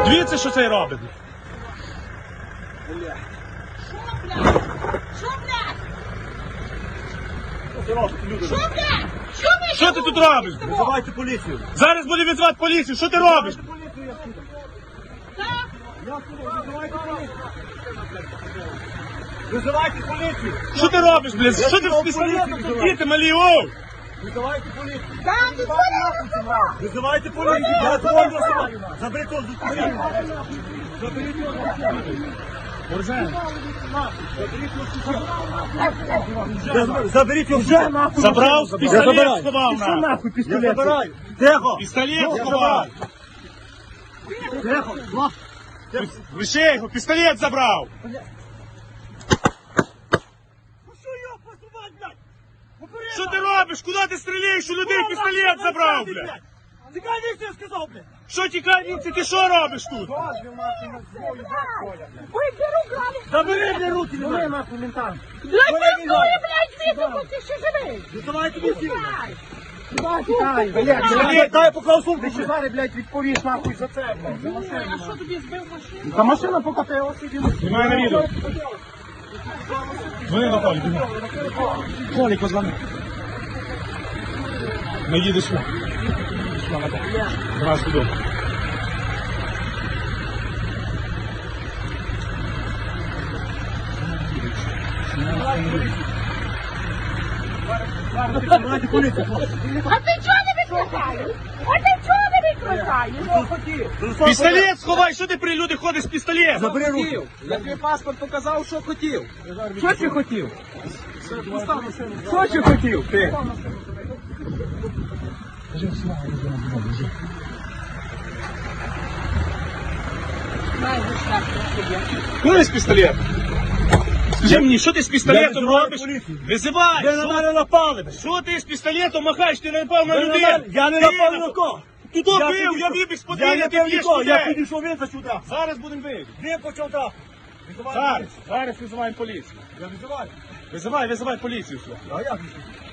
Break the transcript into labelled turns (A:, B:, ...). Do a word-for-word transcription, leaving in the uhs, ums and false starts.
A: Дивіться, що цей робить.
B: Що, блядь?
A: Що ти робиш, люди?
B: Що, блядь? Що ви?
A: Що ти тут робиш?
C: Визивайте поліцію.
A: Зараз буде відзвати поліцію. Що ти робиш?
C: Поліцію я скину.
B: Так?
C: Я скину. Визивайте поліцію. Визивайте поліцію.
A: Що ти робиш, блядь? Що ти з пістолетом тут діти малі, оу?
C: Визивайте поліцію.
B: Так, ти
C: Визивайте поліцію. Я твою особу. Заберіть його з дитини. Заберіть його з дитини. Заберіть його вже нахуй.
A: Забрав, пістолет сховав
C: Що
A: на.
C: нахуй пістолет? Я забираю. Тихо.
A: Пістолет сховав.
C: Тихо.
A: Лише його, пістолет забрав.
C: Ну що його посувати, блядь? Попереду.
A: Що ти робиш? Куди ти стріляєш? У людей пістолет забрав, блядь.
C: Тікай, ніхто я сказав, блядь.
A: Що тікай, вінці, ти що робиш тут?
B: Ой, беру, грали.
C: Забери, блядь, руки, не дай нахуй ментам.
B: Блядь, працює, блядь, звідти, ти ще живий.
C: Визивайте поліцію.
B: Дай.
C: Блядь, дай поклав сумку.
D: Ти ще зараз, блядь, відповіш нахуй за це, блядь. За машину.
B: А що тобі збив машину?
D: Та машина покатилася.
A: Знімай на відео. Дзвони до Толі, біжи. Толі, позвони. Не їдеш сюди. Раз туди.
C: Визивайте поліцію, хлопці.
B: А ти чого не відключаєш? А ти чого не відключаєш?
A: Пістолет сховай, що ти при люди ходиш з пістолетом?
C: Забери руки.
D: Я тобі паспорт показав, що хотів. Що ти хотів? Що ти хотів, ти?
A: Куди з пістолет? Скажи мені, що ти з пістолетом
C: визиваю
A: робиш?
C: поліцію.
A: Визивай!
C: Ви на мене напали, блядь.
A: Що ти з пістолетом махаєш? Ти не напав на
C: Ви на
A: людей!
C: мене- Я не
A: Ти
C: напав ні на кого.
A: Ти то
C: Я
A: бив,
C: підійшов.
A: я вибіг з
C: Я
A: подвір'я,
C: не
A: ти
C: бив
A: б'єш
C: нікого, я
A: людей!
C: підійшов він за сюди.
A: Зараз будемо бити.
C: Він почав так. Визивайте
A: Зараз,
C: поліцію.
A: зараз визиваємо поліцію.
C: Я визиваю.
A: Визивай, визивай поліцію сюди.
C: А як?